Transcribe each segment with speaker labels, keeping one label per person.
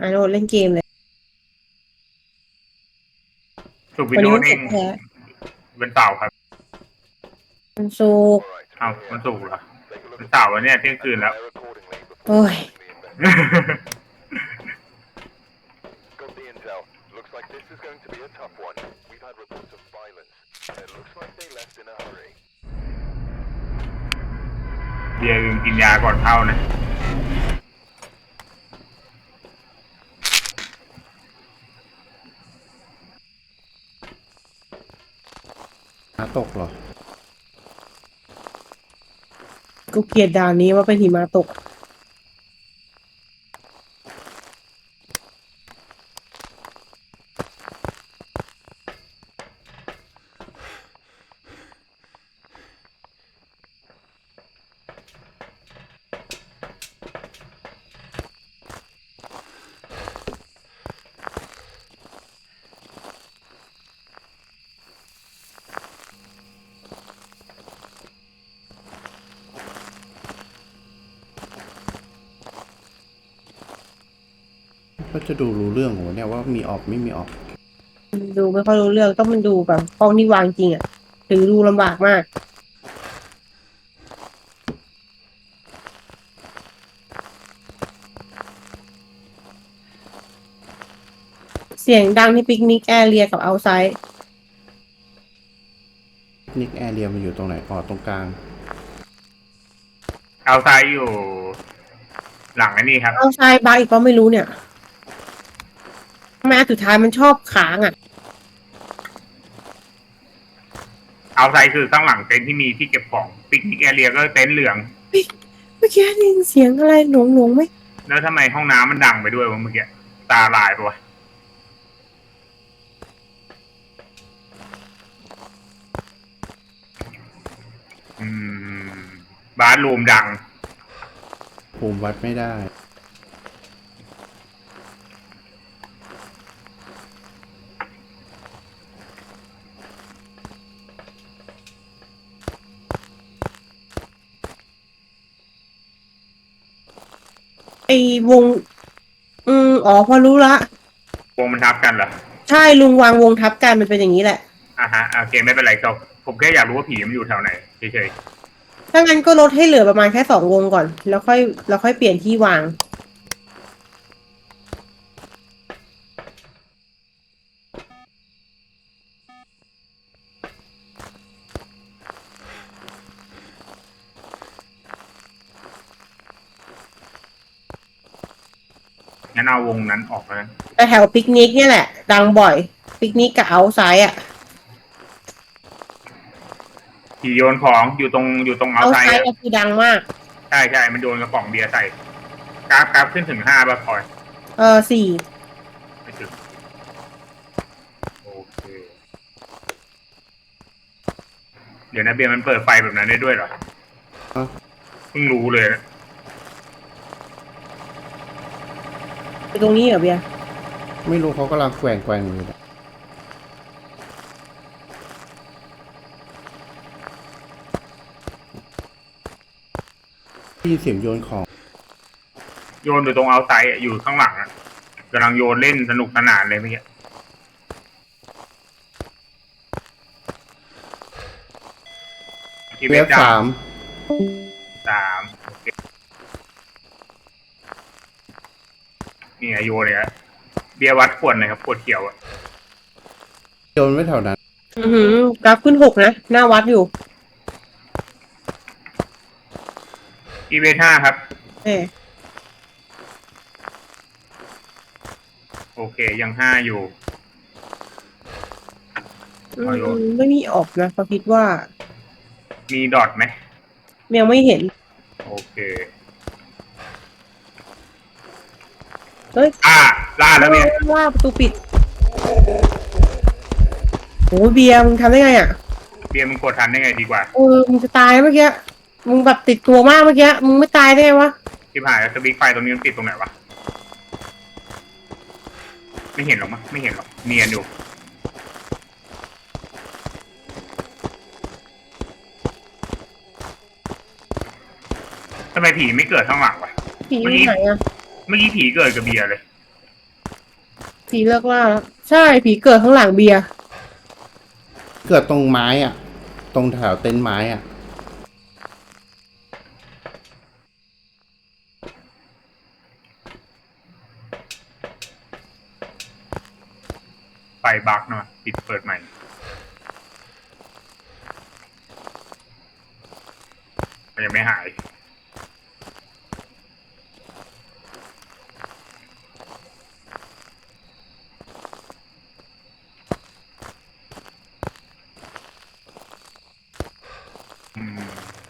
Speaker 1: โดนเล่นเกมเลย
Speaker 2: สุกวิ
Speaker 1: วันนี้
Speaker 2: นโดว์นิ่ง
Speaker 1: วันศุกร์แท้
Speaker 2: เป็นเต่าครับ
Speaker 1: วันศุกร์
Speaker 2: เอามันสุกเหรอเป็นเต่าวันเนี้ยเที่ยงคืนแล้ว
Speaker 1: โอ้ย
Speaker 2: เบียร์กินยาก่อนเข้านะ
Speaker 3: ตกเหรอ
Speaker 1: กูเกลียดด่านนี้ว่าเป็นหิมะตก
Speaker 3: ก็จะดูรู้เรื่องของเนี่ยว่ามีออกไม่มีออก
Speaker 1: ดูไม่ค่อยรู้เรื่องต้องมันดูแบบกล้องที่วางจริงอ่ะถือดูลำบากมากเสียงดังที่ปิกนิกแอเรียกับเอาไซด์
Speaker 3: นิกแอเรียมันอยู่ตรงไหนอ๋อตรงกลาง
Speaker 2: เอาซ้ายอยู่หลังไอ้นี่ครับ
Speaker 1: เอาไซด์บาร์อีกก็ไม่รู้เนี่ยทำไมอันสุดท้ายมันชอบค้างอ่ะ
Speaker 2: เอาซ้ายคือข้างหลังเต็นท์ที่มีที่เก็บของปิกนิกแอเรียก็เต็นท์เหลือง
Speaker 1: เมื่อกี้ได้ยินเสียงอะไรหลงไหม
Speaker 2: แล้วทำไมห้องน้ำมันดังไปด้วยวะเมื่อกี้ตาลายปะวะอืมบาร์รูมดัง
Speaker 3: ภูมิวัดไม่ได้
Speaker 1: ไอ้วงอ๋อพอรู้ละ
Speaker 2: วงมันทับกันเหรอ
Speaker 1: ใช่ลุงวางวงทับกันมันเป็นอย่างนี้แหละ
Speaker 2: อ่ะฮะโอเคไม่เป็นไรครับผมแค่อยากรู้ว่าผีมันอยู่แถวไหนเฉย
Speaker 1: ถ้างั้นก็ลดให้เหลือประมาณแค่2 วงก่อนแล้วค่อยเปลี่ยนที่วาง
Speaker 2: ๆงั้นเอาวงนั้นออกแล้ว
Speaker 1: แต่แถวปิกนิกเนี่ยแหละดังบ่อยปิกนิกกับเอาท์ไซด์อ่ะ
Speaker 2: ผีโยนของอยู่ตรงเอา
Speaker 1: เอาท์
Speaker 2: ไซด์
Speaker 1: ไซด์ก็คือดังมาก
Speaker 2: ใช่ใช่มันโยนกระป๋องเบียร์ใส่กราฟขึ้นถึง5ป่ะพลอย
Speaker 1: 4
Speaker 2: ไม่ถึงโอเคเดี๋ยวนะเบียร์มันเปิดไฟแบบนั้นได้ด้วยเหรอ
Speaker 3: อ่ะ
Speaker 2: เพิ่งรู้เลยนะ
Speaker 1: ไปตรงนี้เหรอเบียร์
Speaker 3: ไม่รู้เขากำลังแกว่งอยู่ได้ยินเสียงโยนของ
Speaker 2: โยนอยู่ตรงเอาไซด์อยู่ข้างหลังอ่ะกำลังโยนเล่นสนุกสนานเลยเมื่อกี้ที่
Speaker 3: เว
Speaker 2: เว็บดา
Speaker 3: ฟสาม
Speaker 2: 3โอเคนี่ไงโยนเลยฮะเบียร์วัดขวดหน่อยครับขวดเขียวอ่ะ
Speaker 3: โยนไว้แถวนั้น
Speaker 1: กราฟขึ้น6นะหน้าวัดอยู่
Speaker 2: ที่เว็บ5ครับ
Speaker 1: เออ
Speaker 2: โอเคยัง5อยู่
Speaker 1: ไม่มีออกนะเขาคิดว่า
Speaker 2: มีดอทไหม
Speaker 1: ยังไม่เห็น
Speaker 2: โอเค
Speaker 1: เฮ้ย
Speaker 2: ล่าแล้วเนี่ย
Speaker 1: ว่าประตูปิดโอ้เบียร์มึงทำได้ไงอ่ะ
Speaker 2: เบียร์มึงกดทันได้ไงดีกว่า
Speaker 1: มึงจะตายเมื่อกี้มึงแบบติดตัวมากเมื่อกี้มึงไม่ตายได้ไงวะ
Speaker 2: ที่ผ่านสวิตช์ไฟตรงนี้มันติดตรงไหนวะไม่เห็นหรอกมั้งไม่เห็นหรอกเนียนอยู่ทำไมผีไม่เกิดข้างหลังวะ
Speaker 1: ผีอยู่ไหนอ่ะ
Speaker 2: เมื่อกี้ผีเกิดกับเบียร์เลย
Speaker 1: ผีเลิกล่าแล้วใช่ผีเกิดข้างหลังเบียร์
Speaker 3: เกิดตรงไม้อ่ะ ตรงแถวเต็นท์ไม้อ่ะ
Speaker 2: ไฟบั๊กเนาะปิดเปิดใหม่มันยังไม่หายอืม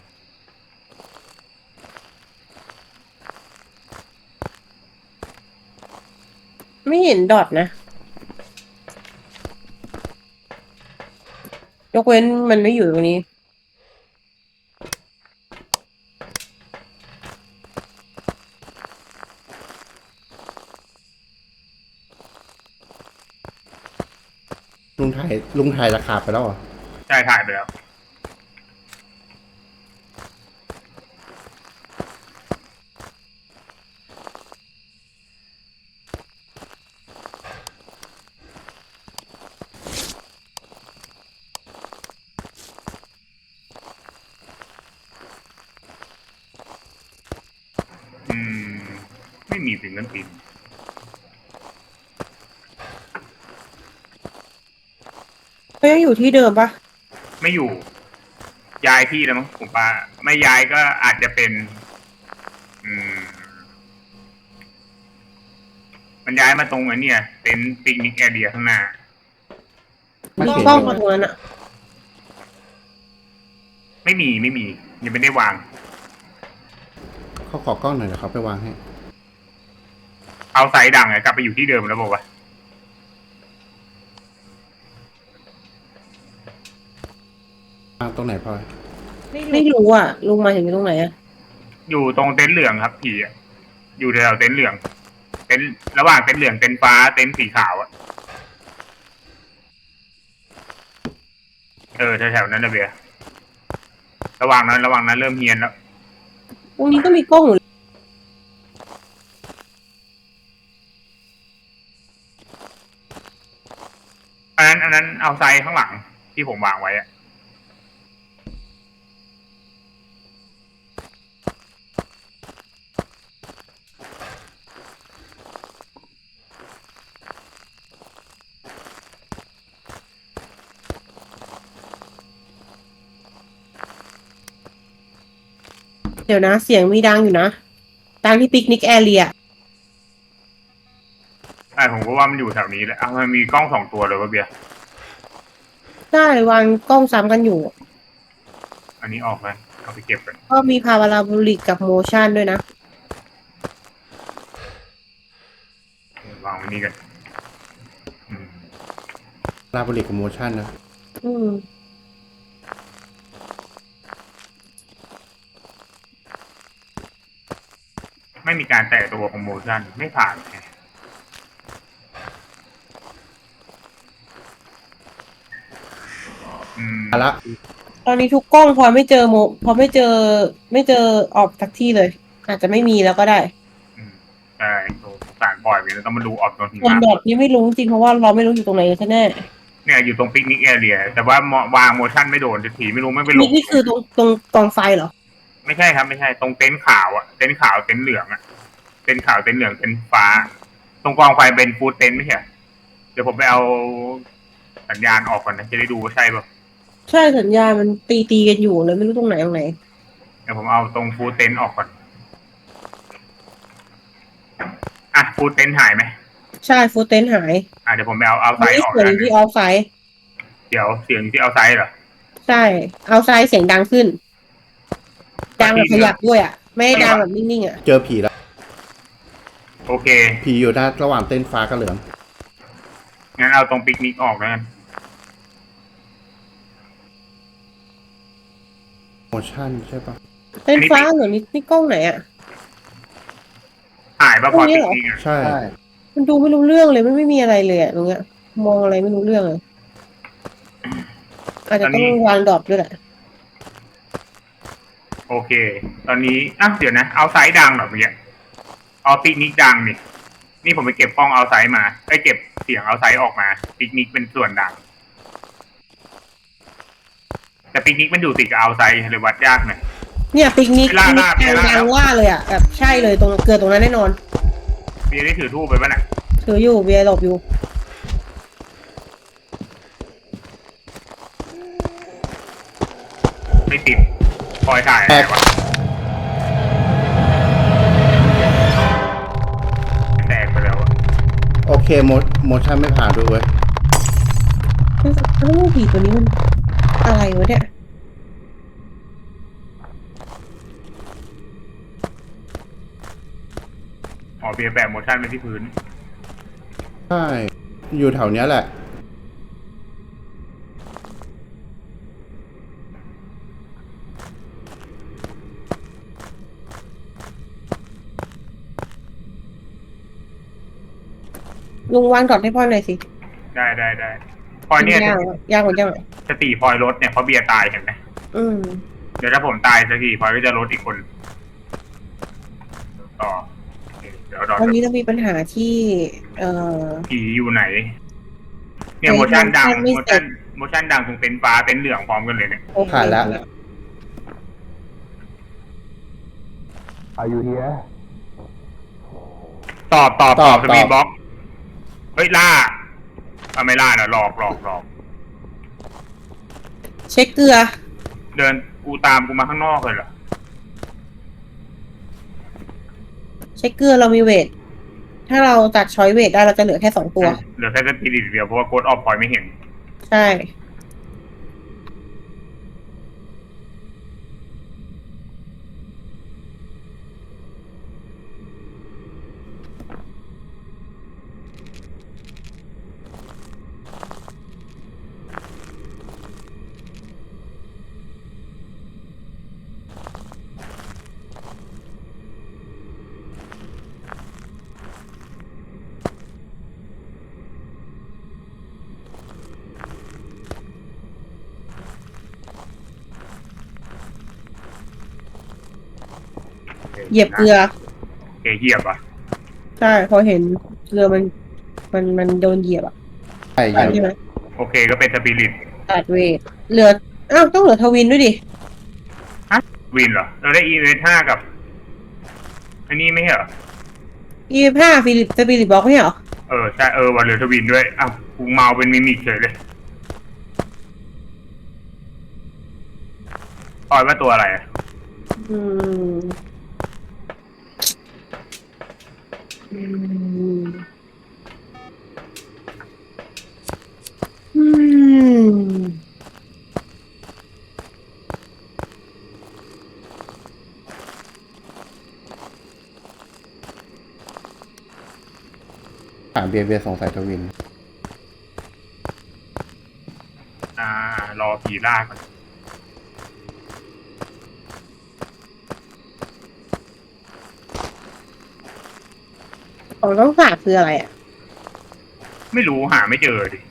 Speaker 1: ไม่เห็นดอทนะยกเว้นมันไม่อยู่ตรงนี้
Speaker 3: ลุงถ่ายราคาไปแล้วเหรอ
Speaker 2: ใช่ถ่ายไปแล้วอืมไม่มีฟิงเกิลปิน
Speaker 1: เขายังอยู่ที่เดิมปะ
Speaker 2: ไม่อยู่ย้ายที่แล้วมั้งผมว่าไม่ย้ายก็อาจจะเป็น อืม มันย้ายมาตรงไอ้เนี่ยเต็นท์ปิกนิกแอเรียข้างหน้า
Speaker 3: ไม่
Speaker 1: มี
Speaker 3: เห็น
Speaker 1: กล้อง
Speaker 3: เล
Speaker 1: มาย ตรงนั้นอะ
Speaker 2: ไม่มียังไม่ได้วาง
Speaker 3: เขาขอกล้องหน่อยเดี๋ยวเขาไปวางให้
Speaker 2: เอาไซด์ดังไงกลับไปอยู่ที่เดิมแล้วบอกว่า
Speaker 3: วางตรงไหนพลอย
Speaker 1: ไม่รู้อ่ะลุงมาถึงตรงไหนอะ
Speaker 2: อยู่ตรงเต็นท์เหลืองครับผีอะอยู่แถวเต็นท์เหลือง เต็นท์ระหว่างเต็นท์เหลืองเต็นท์ฟ้าเต็นท์สีขาวอะแถวๆนั้นนะเบียร์ระหว่างนั้นเริ่มเฮียนแล้ว
Speaker 1: ตรงนี้ก็มีกล้องอยู่
Speaker 2: อันนั้นเอาไซด์ข้างหลังที่ผมวางไว้อะ
Speaker 1: เดี๋ยวนะเสียงมีดังอยู่นะดังที่ปิกนิกแอเรีย
Speaker 2: ผมก็ว่ามันอยู่แถวนี้แหละมันมีกล้องสองตัวเลยวะเบียร์
Speaker 1: ได้วางกล้องซ้ำกันอยู่
Speaker 2: อันนี้ออกไปเอาไปเก็บกัน
Speaker 1: ก็มีพาราโบลิกกับโมชั่นด้วยนะ
Speaker 2: วางไว้นี่กันอืม
Speaker 3: ลาบริกกับโมชั่นนะ
Speaker 1: อืม
Speaker 2: ไม่มีการแตะตัวของโมชั่นไม่ผ่านไงอืม
Speaker 3: เอาละ
Speaker 1: ตอนนี้ทุกกล้องพอไม่เจอพอไม่เจอออกจากที่เลย อาจจะไม่มีแล้วก็ได้
Speaker 2: อืมใช่สงสารบ่อยไปแล้วต้องมาดูออกตอนถึง
Speaker 1: ส่วน
Speaker 2: น้
Speaker 1: ดอทนี้ไม่รู้จริงเพราะว่าเราไม่รู้อยู่ตรงไหนแน่
Speaker 2: ำเนี่ยอยู่ตรงปิกนิกแอเรียแต่ว่าวางโมชั่นไม่โดนสักทีไม่รู้ไม่ไปล
Speaker 1: นี่
Speaker 2: ง
Speaker 1: นี่คือตรงกองไฟเหรอ
Speaker 2: ไม่ใช่ครับไม่ใช่ตรงเต็นท์ขาวอะเต็นท์ขาวเต็นท์เหลืองอะเต็นท์ขาวเต็นท์เหลืองเต็นท์ฟ้า ตรงกองไฟเป็นฟูดเต็นท์ไม่ใช่เหรอเดี๋ยวผมไปเอาสัญญาณออกก่อนนะจะได้ดูว่าใช่ป่ะ
Speaker 1: ใช่สัญญาณมันตีกันอยู่เลยไม่รู้ตรงไหนตรงไหน
Speaker 2: เดี๋ยวผมเอาตรงฟูดเต็นท์ออกก่อนอ่ะฟูดเต็นท์หายไหม
Speaker 1: ใช่ฟูเตนหาย
Speaker 2: เดี๋ยวผมไปเอาไซ
Speaker 1: ไม่
Speaker 2: ด์
Speaker 1: ได้
Speaker 2: ออก
Speaker 1: เสียง
Speaker 2: นะ
Speaker 1: อยู่ที่ออฟไซด์
Speaker 2: เดี๋ยวเสียงที่เอาไซด์เหรอ
Speaker 1: ใช่เอาไซด์เสียงดังขึ้น ดังแบบขยับด้วยอ่ะ ไม่ได้ดังแบบนิ่งๆอ่ะ
Speaker 3: เจอผีแล้ว
Speaker 2: โอเค
Speaker 3: ผีอยู่ด้านระหว่างเต้นท์ฟ้ากับเหลือง
Speaker 2: งั้นเอาตรงปิกนิกออกแล้วกัน
Speaker 3: โมชั่นใช่ปะ
Speaker 1: เต้นฟ้าเหรอนี่กล้องไหนอ่ะ
Speaker 2: หายป่ะพอปิกนิกอะ
Speaker 3: ใช่
Speaker 1: มันดูไม่รู้เรื่องเลยมันไม่มีอะไรเลยอ่ะตรงเนี้ยมองอะไรไม่รู้เรื่องเลยอาจจะต้องวางดรอปด้วยแหละ
Speaker 2: โอเค ตอนนี้เดี๋ยวนะเอาไซด์ดังเหรอเมื่อกี้เอาปิกนิกดังนี่ผมไปเก็บกล้องเอาไซด์มาเก็บเสียงเอาไซด์ออกมาปิกนิกเป็นส่วนดังแต่ปิกนิกมันอยู่ติดกับเอาไซด์เลยวัดยากหน่อย
Speaker 1: เนี่ยปิกนิก
Speaker 2: ล่า
Speaker 1: ยังว่าเลยอ่ะแบบใช่เลยตรงเกิดตรงนั้นแน่นอน
Speaker 2: เบียร์ได้ถือทูบไปป่ะน่ะ
Speaker 1: ถืออยู่เบียร์หลบอยู่
Speaker 2: ไม่ติดคอยถ่ายอะไรวะแตกไปแล้วอะ
Speaker 3: โอเคโมชั่นไม่ผ่านด้วยเว้ย
Speaker 1: เอ้าผีตัวนี้มันอะไรวะเนี่ย
Speaker 2: อ๋อเบียร์แปะโมชั่นไปที่พื้น
Speaker 3: ใช่ อยู่แถวเนี้ยแหละ
Speaker 1: ลุงวางก่อนให้พ่อหน่อยสิ
Speaker 2: ได้พอยเนี่ย
Speaker 1: ยากกว่าจัง
Speaker 2: สติพลอยลดเนี่ยเพราะเบียร์ตายเห็นไหม
Speaker 1: อืม
Speaker 2: เดี๋ยวถ้าผมตายสักทีพลอยก็จะลดอีกคนต่อโอเคเดี๋ยวรอ
Speaker 1: วันนี้เรามีปัญหาที่
Speaker 2: ผีอยู่ไหน เนี่ยโมชั่นดังโมชั่นดังตรงเต็นท์ฟ้าเต็นท์เหลืองพร้อมกันเลยเนี่ย
Speaker 1: โอเค
Speaker 3: ผ่านแล้ว
Speaker 4: Are you here?
Speaker 2: ตอบ
Speaker 3: ตอบ
Speaker 2: สปีดบ็อกเฮ้ยล่าไม่ล่านะหลอก
Speaker 1: เช็คเกลือ
Speaker 2: เดินกูตามกูมาข้างนอกเลยเหรอ
Speaker 1: เช็คเกลือเรามีเวท ถ้าเราตัดช้อยเวทได้เราจะเหลือแค่2 ตัว
Speaker 2: เหลือแค่สปิริตเดียวเพราะว่าโค้ดออฟพอยไม่เห็น
Speaker 1: ใช่ เหยียบเกลือ
Speaker 2: โอเคเหยียบอ่ะ
Speaker 1: ใช่ พอเห็นเกลือมันโดนเหยียบอ่ะ
Speaker 3: ใช่
Speaker 1: ใช่ไหม
Speaker 2: โอเคก็เป็นสปิริต
Speaker 1: ตัดเวท เหลือ อ้าว ต้องเหลือทวินด้วยดิ
Speaker 2: วินเหรอเราได้อีเวนต์5กับอันนี้ไม่ใช่เหรอ
Speaker 1: 25ฟิลิปสปิริตบล็อกไม่ใช่เหรอ
Speaker 2: ใช่วันเหลือทวินด้วยอ้าวกูเมาเป็นมิมิกเฉยเลยปอยว่าตัวอะไรอะ
Speaker 1: อืม อืม อืม
Speaker 3: ถามเบียร์สงสัยทวิน
Speaker 2: รอผีล่าก่อน
Speaker 1: ของต้องฝากคืออะไรอ่ะ
Speaker 2: ไม่รู้หาไม่เจอดิ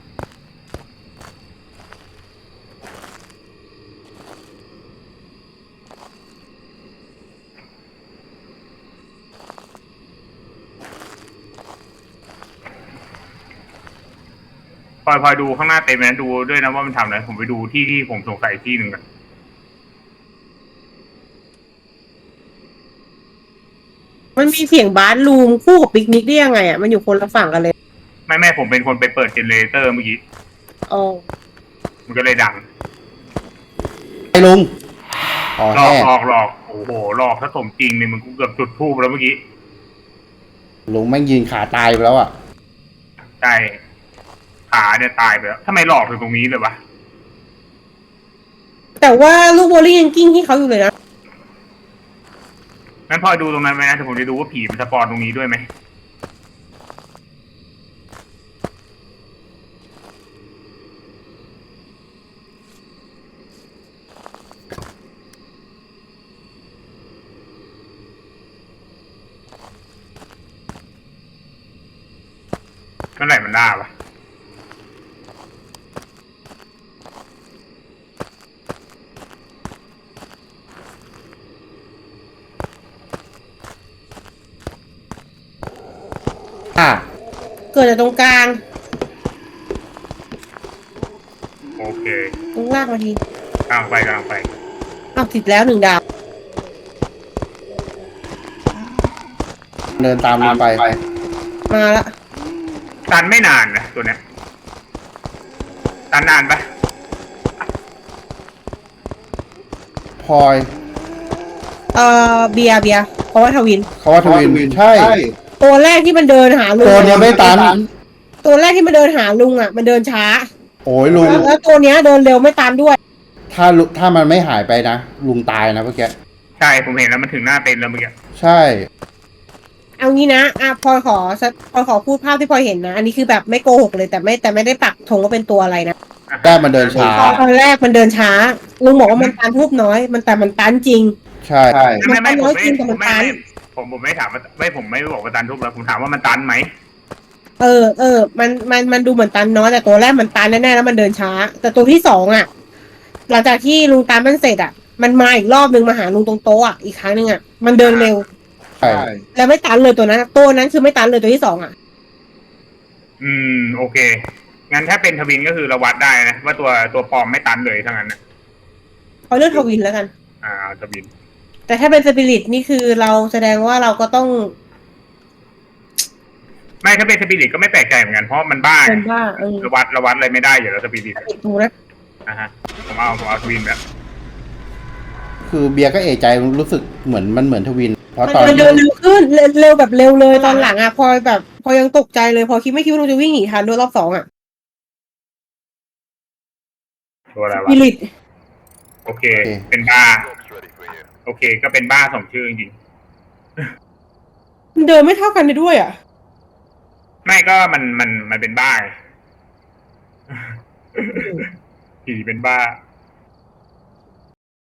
Speaker 2: พลอยดูข้างหน้าเต็มนะดูด้วยนะว่ามันทำอะไรผมไปดูที่ผมสงสัยที่หนึ่งกัน
Speaker 1: มันมีเสียงบาร์รูมคู่กับปิกนิกได้ยังไงอ่ะ มันอยู่คนละฝั่งกันเลย
Speaker 2: ไม่ผมเป็นคนไปเปิดเจเนเรเตอร์เมื่อกี้
Speaker 1: อ๋อ
Speaker 2: มันก็เลยดัง
Speaker 3: ไอ้ลุงอ๋อ
Speaker 2: หลอก
Speaker 3: แห่
Speaker 2: หลอกโอ้โหหลอกถ้าสมจริงเนี่ยมันกูเกือบจุดทูบแล้วเมื่อกี้
Speaker 3: ลุงแม่งยืนขาตายไปแล้วอ่ะ
Speaker 2: ใช่ขาเนี่ยตายไปแล้วทำไมหลอกถึงตรงนี้เลยวะ
Speaker 1: แต่ว่าลูกโบลิ่งยังกิ้งที่เขาอยู่เลยนะ
Speaker 2: งั้นพอดูตรงนั้นไหมนะแต่ผมจะดูว่าผีมันสปอนตรงนี้ด้วยไหมเมื่อไหร่มันได้ปะ
Speaker 3: อ่ะ
Speaker 1: เกิดจากตรงกลาง
Speaker 2: อเค
Speaker 1: ต้องลากมาที
Speaker 2: กำลังไป
Speaker 1: อ้าวติดแล้ว1 ดาว
Speaker 3: เดินตามลงไป
Speaker 1: มาละ
Speaker 2: ตันไม่นานนะตัวเนี้ยตันนานปะ
Speaker 3: พลอย
Speaker 1: เบียร์เพราะว่าทวิน
Speaker 3: เขาว่าทวินใช่
Speaker 1: ตัวแรกที่มันเดินหาลุง
Speaker 3: ตัวเนี้ยไม่ตัน
Speaker 1: ตัวแรกที่มันเดินหาลุงอ่ะมันเดินช้า
Speaker 3: โอ้ยลุง
Speaker 1: แล้วตัวเนี้ยเดินเร็วไม่ตันด้วย
Speaker 3: ถ้ามันไม่หายไปนะลุงตายนะเมื่อกี้
Speaker 2: ใช่ผมเห็นแล้วมันถึงหน้าเต็นท์แล้วเมื่อกี้
Speaker 3: ใช่
Speaker 1: เอางี้นะพลอยขอพูดภาพที่พลอยเห็นนะ อันนี้คือแบบไม่โกหกเลยแต่ไม่ได้ปักธงว่าเป็นตัวอะไรนะ
Speaker 3: แต่มันเดินช้า
Speaker 1: ตอนแรกมันเดินช้า ลุงบอกว่ามันตันทูบน้อย แต่มันตันจริง
Speaker 3: ใช่
Speaker 1: มันตันน้อยจริงแต่มันตัน
Speaker 2: ผมไม่ถามว่าผมไม่บอกว่าตันทุบแล้วผมถามว่ามันตันไหม
Speaker 1: มันดูเหมือนตันน้อยแต่ตัวแรกมันตันแน่ๆแล้วมันเดินช้า แต่ตัวที่2อ่ะ หลังจากที่ลุงตันมันเสร็จอ่ะ มันมาอีกรอบนึงมาหาลุงตรงโต๊ะอ่ะอีกครั้งนึงอ่ะมันเดินเร็ว
Speaker 3: ใช่
Speaker 1: แล้วไม่ตันเลยตัวนั้นคือไม่ตันเลยตัวที่2อ่ะ
Speaker 2: โอเคงั้นถ้าเป็นทวินก็คือเราวัดได้นะว่าตัวปลอมไม่ตันเลยทั้งนั้นนะ
Speaker 1: เอาเลือกทวินแล้วกัน
Speaker 2: เอาทวิน
Speaker 1: แต่ถ้าเป็นสปิริตนี่คือเราแสดงว่าเราก็ต้อง
Speaker 2: ไม่ถ้าเป็นสปิริตก็ไม่แปลกใจเหมือนกันเพราะมันบ้า
Speaker 1: เป็นว่า
Speaker 2: เราวัดอะไรไม่ได้อยู่แล้วสปิริต
Speaker 1: ดูนะ
Speaker 2: ฮะผมเอาทวินแบบ
Speaker 3: คือเบียร์ก็เอะใจรู้สึกเหมือนทวิน เพราะตอน
Speaker 1: มันเดินเร็วขึ้นเร็วแบบเร็วเลยตอนหลังอ่ะพอยังตกใจเลยพอไม่คิดว่าลุงจะวิ่งหนีทันด้วยรอบ2อ่ะ
Speaker 2: ตัวอะไร
Speaker 1: ส
Speaker 2: วะ
Speaker 1: ปิริต
Speaker 2: โอเค เป็นบ้าโอเค ก็เป็นบ้าสองชื่อจริง
Speaker 1: มันเดินไม่เท่ากันเลยด้วยอ่ะ
Speaker 2: ๆไม่ก็มันเป็นบ้าไง ผีเป็นบ้า